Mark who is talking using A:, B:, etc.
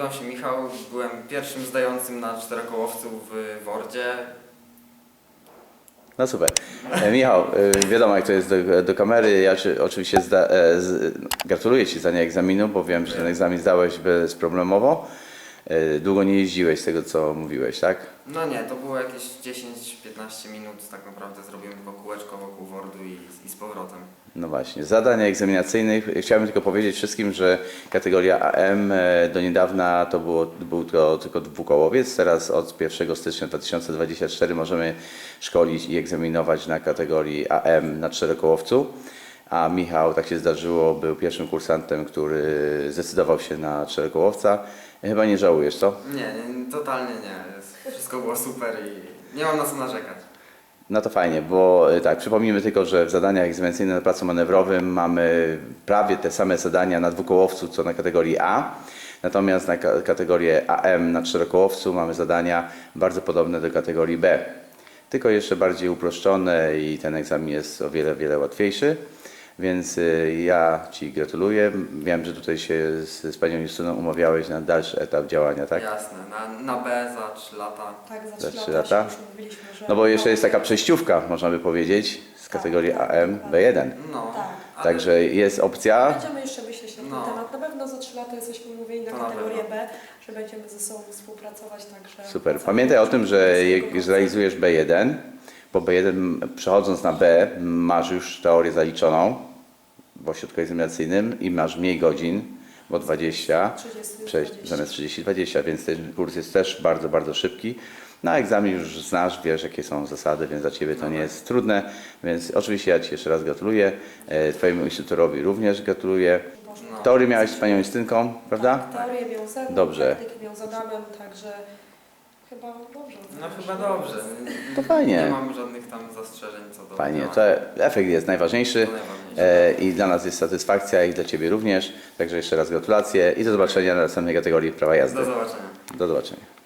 A: Nazywam się Michał, byłem pierwszym zdającym na czterokołowcu w Wordzie.
B: No super. Michał, wiadomo jak to jest do kamery. Ja oczywiście gratuluję Ci zdania egzaminu, bo wiem, że ten egzamin zdałeś bezproblemowo. Długo nie jeździłeś z tego, co mówiłeś, tak?
A: No nie, to było jakieś 10-15 minut, tak naprawdę zrobiłem tylko kółeczko wokół Wordu i z powrotem.
B: No właśnie, zadań egzaminacyjnych. Chciałbym tylko powiedzieć wszystkim, że kategoria AM do niedawna był to tylko dwukołowiec. Teraz od 1 stycznia 2024 możemy szkolić i egzaminować na kategorii AM na czterokołowcu. A Michał, tak się zdarzyło, był pierwszym kursantem, który zdecydował się na czterokołowca. Chyba nie żałujesz, co?
A: Nie, totalnie nie. Wszystko było super i nie mam na co narzekać.
B: No to fajnie, bo tak, przypomnijmy tylko, że w zadaniach egzaminacyjnych na placu manewrowym mamy prawie te same zadania na dwukołowcu, co na kategorii A. Natomiast na kategorię AM na czterokołowcu mamy zadania bardzo podobne do kategorii B. Tylko jeszcze bardziej uproszczone i ten egzamin jest o wiele, wiele łatwiejszy. Więc ja Ci gratuluję. Wiem, że tutaj się z Panią Justyną umawiałeś na dalszy etap działania, tak?
A: Jasne, na B za 3 lata.
C: Tak,
B: Za
C: za
B: 3
C: 3
B: lata.
C: lata się już mówiliśmy, że...
B: No bo jeszcze jest taka przejściówka, można by powiedzieć, z kategorii AM B1.
A: No,
C: Tak.
A: ale
B: Także jest opcja.
C: Będziemy jeszcze myśleć na ten
A: No.
C: temat. Na pewno za 3 lata jesteśmy umówieni na
A: To na
C: kategorię
A: pewno.
C: B, że będziemy ze sobą współpracować, także...
B: Super. Pamiętaj o tym, że jak zrealizujesz B1, po B1 przechodząc na B masz już teorię zaliczoną w ośrodku egzaminacyjnym i masz mniej godzin, bo 20,
C: 30.
B: zamiast 30-20, więc ten kurs jest też bardzo, bardzo szybki. Na egzamin już znasz, wiesz jakie są zasady, więc dla Ciebie to nie jest trudne, więc oczywiście ja Ci jeszcze raz gratuluję, Twojemu instruktorowi również gratuluję.
A: No.
B: Teorię miałeś z Panią Justynką, prawda?
C: Tak, teorię miał ze mną,
B: Dobrze.
C: praktykę miał z Adamem, także chyba dobrze.
A: no chyba dobrze.
B: To fajnie.
A: Nie mam żadnych tam zastrzeżeń co do
B: Fajnie,
A: tematu.
B: to efekt jest najważniejszy
A: To najważniejsze.
B: i dla nas jest satysfakcja i dla Ciebie również. Także jeszcze raz gratulacje i do zobaczenia na następnej kategorii prawa jazdy.
A: Do zobaczenia.
B: Do zobaczenia.